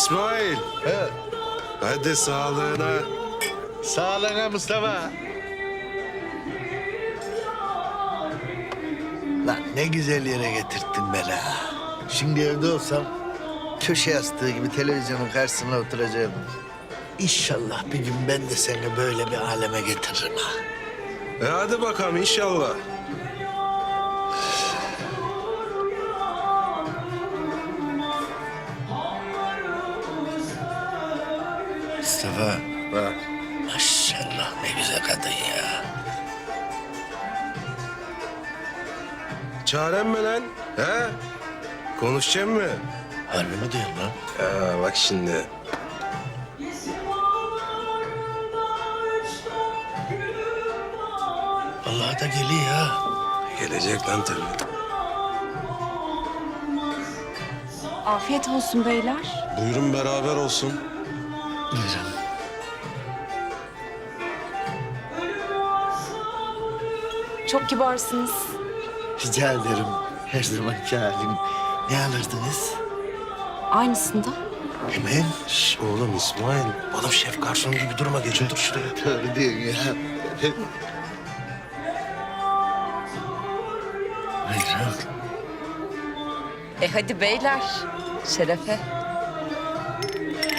İsmail, He. hadi sağlığına. Sağlığına Mustafa. Lan ne güzel yere getirttin beni ha. Şimdi evde olsam köşe yastığı gibi televizyonun karşısına oturacağım. İnşallah bir gün ben de seni böyle bir aleme getiririm ha. Hadi bakalım inşallah. Mustafa, Bak. maşallah ne güzel kadın ya. Çaren mi lan? He? Konuşacak mı? Harbi mi diyorsun lan? Ya bak şimdi. Vallahi da geliyor ha. Gelecek lan tabii. Afiyet olsun beyler. Buyurun beraber olsun. Buyurun. Çok kibarsınız. Rica ederim. Her zamanki halim. Ne alırdınız? Aynısında. Hemen. Şş, oğlum İsmail. Oğlum şef garson gibi durma. Geç otur şuraya. Doğru diyorsun ya. Buyurun. Hadi beyler. Şerefe.